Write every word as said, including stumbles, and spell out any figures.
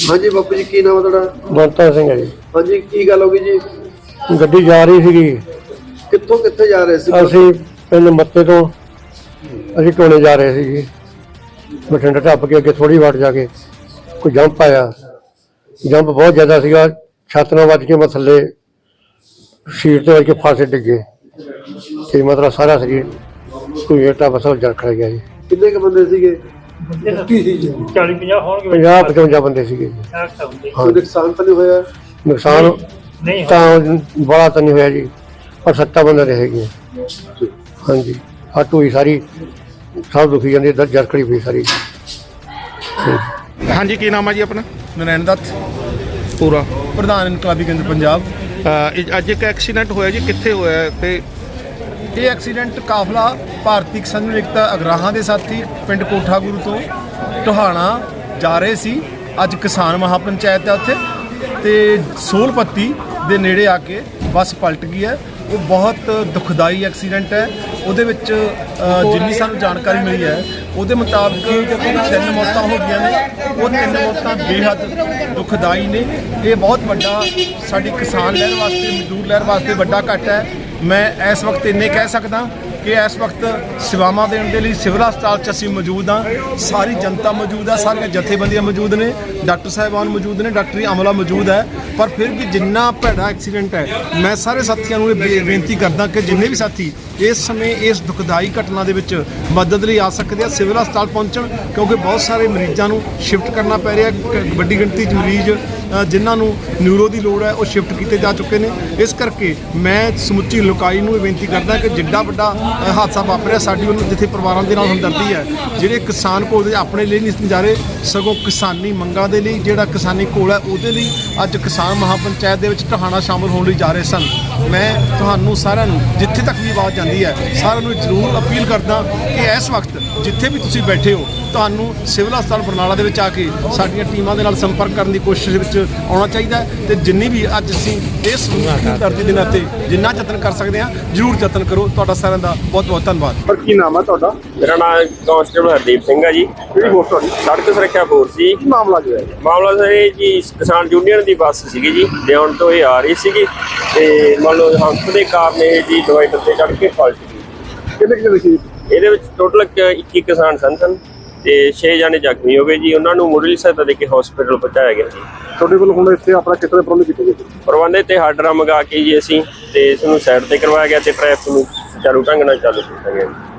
हाँ जी बापू जी की नाम है तुहाडा? ਬੰਤਾ ਸਿੰਘ है जी। हाँ जी की गल हो गई जी? ਗੱਡੀ ਜਾ ਰਹੀ ਸੀਗੀ, कित्थों कित्थे जा रहे सी? ਅਸੀਂ ਪਿੰਡ ਮੱਤੇ ਤੋਂ ਅਸੀਂ ਟੋਲੇ ਜਾ ਰਹੇ ਸੀ ਜੀ। ਬਠਿੰਡਾ ਟੱਪ ਕੇ ਅੱਗੇ ਥੋੜੀ ਵਾਟ ਜਾ ਕੇ ਕੋਈ ਜੰਪ ਆਇਆ, ਜੰਪ ਬਹੁਤ ਜ਼ਿਆਦਾ ਸੀਗਾ, ਛੱਤ ਨਾਲ ਵੱਜ ਕੇ ਮੈਂ ਥੱਲੇ ਸੀਟ ਤੇ ਵੱਜ ਕੇ ਫਾਸੇ ਡਿੱਗੇ ਤੇ ਮਤਲਬ ਸਾਰਾ ਸਰੀਰ ਕੋਈ ਏਟਾ ਬਸਲ ਜੜ ਖੜ ਗਿਆ ਜੀ। कितने के बंदे सीगे? ਚਾਲੀ ਪੰਜਾਹ ਹੋਣਗੇ। ਪੰਜਾਹ ਪਚਵੰਜਾ ਬੰਦੇ ਸੀਗੇ ਜੀ। कोई नुकसान तो नहीं होया? ਨੁਕਸਾਨ ਨਹੀਂ ਤਾਂ ਬੜਾ ਤਾਂ ਨਹੀਂ ਹੋਇਆ ਜੀ, ਪਰ ਸੱਤਾਂ ਬੰਦੇ ਦੇ ਹੈਗੇ ਹਾਂਜੀ। ਹੱਟ ਹੋਈ ਸਾਰੀ, ਸਭ ਦੁਖੀ ਜਾਂਦੀ, ਜੜ ਖੜੀ ਪਈ ਸਾਰੀ। हाँ जी की नाम है जी अपना? ਨਰੈਣ ਦੱਤ, पूरा ਪ੍ਰਧਾਨ ਇਨਕਲਾਬੀ ਕੇਂਦਰ ਪੰਜਾਬ। ਅੱਜ ਇੱਕ ਐਕਸੀਡੈਂਟ ਹੋਇਆ ਜੀ, ਕਿੱਥੇ ਹੋਇਆ ਤੇ ਇਹ ਐਕਸੀਡੈਂਟ ਕਾਫਲਾ ਭਾਰਤੀ ਕਿਸਾਨ ਏਕਤਾ ਅਗਰਾਹਾਂ ਦੇ ਸਾਥੀ ਪਿੰਡ ਕੋਠਾ ਗੁਰੂ ਤੋਂ ਟੋਹਾਣਾ ਜਾ ਰਹੇ ਸੀ। ਅੱਜ ਕਿਸਾਨ ਮਹਾਪੰਚਾਇਤ ਹੈ ਉੱਥੇ, ਤੇ ਸੋਲਪੱਤੀ ਦੇ ਨੇੜੇ ਆ ਕੇ ਬੱਸ ਪਲਟ ਗਈ ਹੈ। ਉਹ ਬਹੁਤ ਦੁਖਦਾਈ ਐਕਸੀਡੈਂਟ ਹੈ। ਉਹਦੇ ਵਿੱਚ ਜਿੰਨੀ ਸਾਨੂੰ ਜਾਣਕਾਰੀ ਮਿਲੀ ਹੈ ਉਹਦੇ ਮੁਤਾਬਕ ਤਿੰਨ ਮੌਤਾਂ ਹੋ ਗਈਆਂ ਨੇ। ਉਹ ਤਿੰਨ ਮੌਤਾਂ ਬੇਹੱਦ ਦੁਖਦਾਈ ਨੇ। ਇਹ ਬਹੁਤ ਵੱਡਾ ਸਾਡੀ ਕਿਸਾਨ ਲਹਿਰ ਵਾਸਤੇ, ਮਜ਼ਦੂਰ ਲਹਿਰ ਵਾਸਤੇ ਵੱਡਾ ਘਾਟਾ ਹੈ। ਮੈਂ ਇਸ ਵਕਤ ਇੰਨੇ ਕਹਿ ਸਕਦਾ ਕਿ ਇਸ ਵਕਤ ਸੇਵਾਵਾਂ ਦੇਣ ਦੇ ਲਈ ਸਿਵਲ ਹਸਪਤਾਲ 'ਚ ਅਸੀਂ ਮੌਜੂਦ ਹਾਂ। ਸਾਰੀ ਜਨਤਾ ਮੌਜੂਦ ਹੈ, ਸਾਰੀਆਂ ਜਥੇਬੰਦੀਆਂ ਮੌਜੂਦ ਨੇ, ਡਾਕਟਰ ਸਾਹਿਬਾਨ ਮੌਜੂਦ ਨੇ, ਡਾਕਟਰੀ ਅਮਲਾ ਮੌਜੂਦ ਹੈ। ਪਰ ਫਿਰ ਵੀ ਜਿੰਨਾ ਭੈੜਾ ਐਕਸੀਡੈਂਟ ਹੈ, ਮੈਂ ਸਾਰੇ ਸਾਥੀਆਂ ਨੂੰ ਇਹ ਬੇ- ਬੇਨਤੀ ਕਰਦਾ ਕਿ ਜਿੰਨੇ ਵੀ ਸਾਥੀ ਇਸ ਸਮੇਂ ਇਸ ਦੁਖਦਾਈ ਘਟਨਾ ਦੇ ਵਿੱਚ ਮਦਦ ਲਈ ਆ ਸਕਦੇ ਆ, ਸਿਵਲ ਹਸਪਤਾਲ ਪਹੁੰਚਣ, ਕਿਉਂਕਿ ਬਹੁਤ ਸਾਰੇ ਮਰੀਜ਼ਾਂ ਨੂੰ ਸ਼ਿਫਟ ਕਰਨਾ ਪੈ ਰਿਹਾ। ਕ- ਵੱਡੀ ਗਿਣਤੀ 'ਚ ਮਰੀਜ਼ ਜਿਨ੍ਹਾਂ ਨੂੰ ਨਿਊਰੋ ਦੀ ਲੋੜ ਹੈ ਉਹ ਸ਼ਿਫਟ ਕੀਤੇ ਜਾ ਚੁੱਕੇ ਨੇ। ਇਸ ਕਰਕੇ ਮੈਂ ਸਮੁੱਚੀ ਲੋਕਾਈ ਨੂੰ ਇਹ ਬੇਨਤੀ ਕਰਦਾ ਕਿ ਜਿੱਡਾ ਵੱਡਾ ਹਾਦਸਾ ਵਾਪਰਿਆ, ਸਾਡੀ ਉਹਨੂੰ ਜਿੱਥੇ ਪਰਿਵਾਰਾਂ ਦੇ ਨਾਲ ਹਮਦਰਦੀ ਹੈ। ਜਿਹੜੇ ਕਿਸਾਨ ਕੋਲ ਆਪਣੇ ਲਈ ਨਹੀਂ ਜਾ ਰਹੇ, ਸਗੋਂ ਕਿਸਾਨੀ ਮੰਗਾਂ ਦੇ ਲਈ, ਜਿਹੜਾ ਕਿਸਾਨੀ ਕੋਲ ਹੈ ਉਹਦੇ ਲਈ ਅੱਜ ਕਿਸਾਨ ਮਹਾਪੰਚਾਇਤ ਦੇ ਵਿੱਚ ਟੋਹਾਣਾ ਸ਼ਾਮਲ ਹੋਣ ਲਈ ਜਾ ਰਹੇ ਸਨ। ਮੈਂ ਤੁਹਾਨੂੰ ਸਾਰਿਆਂ ਨੂੰ ਜਿੱਥੇ ਤੱਕ ਵੀ ਆਵਾਜ਼ ਜਾਂਦੀ ਹੈ, ਸਾਰਿਆਂ ਨੂੰ ਜ਼ਰੂਰ ਅਪੀਲ ਕਰਦਾ ਕਿ ਇਸ ਵਕਤ ਜਿੱਥੇ ਵੀ ਤੁਸੀਂ ਬੈਠੇ ਹੋ, ਤੁਹਾਨੂੰ ਸਿਵਲ ਹਸਪਤਾਲ ਬਰਨਾਲਾ ਦੇ ਵਿੱਚ ਆ ਕੇ ਸਾਡੀਆਂ ਟੀਮਾਂ ਦੇ ਨਾਲ ਸੰਪਰਕ ਕਰਨ ਦੀ ਕੋਸ਼ਿਸ਼ ਵਿੱਚ ਆਉਣਾ ਚਾਹੀਦਾ ਹੈ। ਤੇ ਜਿੰਨੀ ਵੀ ਅੱਜ ਅਸੀਂ ਇਸ ਧਰਤੀ ਦੇ ਨਾਤੇ ਜਿੰਨਾ ਯਤਨ ਕਰ ਸਕਦੇ ਹਾਂ, ਜ਼ਰੂਰ ਯਤਨ ਕਰੋ। ਤੁਹਾਡਾ ਸਾਰਿਆਂ ਦਾ ਬਹੁਤ ਬਹੁਤ ਧੰਨਵਾਦ। पर की नाम है तुहाडा? मेरा नाम कांस्टेबल हरदीप सिंह है जी। ਕਿਹੜੀ ਫੋਰਸ ਤੁਹਾਡੀ? सड़क सुरक्षा फोर्स जी। ਕੀ ਮਾਮਲਾ ਜੋ ਹੈ? ਮਾਮਲਾ ਸਰ ਇਹ ਜੀ ਕਿਸਾਨ ਯੂਨੀਅਨ ਦੀ ਬੱਸ ਸੀਗੀ ਜੀ, ਦਿਉਣ ਤੋਂ ਇਹ ਆ ਰਹੀ ਸੀਗੀ ਤੇ ਮੰਨ ਲਓ ਹੰਪ ਦੇ ਕਾਰਨ ਇਹ ਜੀ ਡਿਵਾਈਡਰ ਤੇ ਚੜ੍ਹ ਕੇ ਪਲਟ ਗਈ। ਕਿੰਨੇ ਕਿੰਨੇ ਸੀ? ਇਹਦੇ ਵਿੱਚ ਟੋਟਲ ਇੱਕੀ ਕਿਸਾਨ ਸਨ ਸਨ ਤੇ ਛੇ ਜਾਣੇ ਜ਼ਖਮੀ ਹੋ ਗਏ ਜੀ। ਉਹਨਾਂ ਨੂੰ ਮੁੱਢਲੀ ਸਹਾਇਤਾ ਦੇ ਕੇ ਹਸਪੀਟਲ ਪਹੁੰਚਾਇਆ ਗਿਆ ਜੀ। ਤੁਹਾਡੇ ਕੋਲ ਹੁਣ ਇੱਥੇ ਆਪਣਾ ਕਿਤਨੇ ਪ੍ਰਬੰਧ ਕੀਤੇ ਗਏ? ਪ੍ਰਬੰਧ ਤੇ ਹਾਰਡਰਾਂ ਮੰਗਾ ਕੇ ਜੀ ਅਸੀਂ ਤੇ ਇਸ ਨੂੰ ਸਾਈਡ ਤੇ ਕਰਵਾਇਆ ਗਿਆ ਤੇ ਟ੍ਰੈਫਿਕ ਨੂੰ ਚਾਰੂ ਢੰਗ ਨਾਲ ਚਾਲੂ ਕੀਤਾ ਗਿਆ ਜੀ।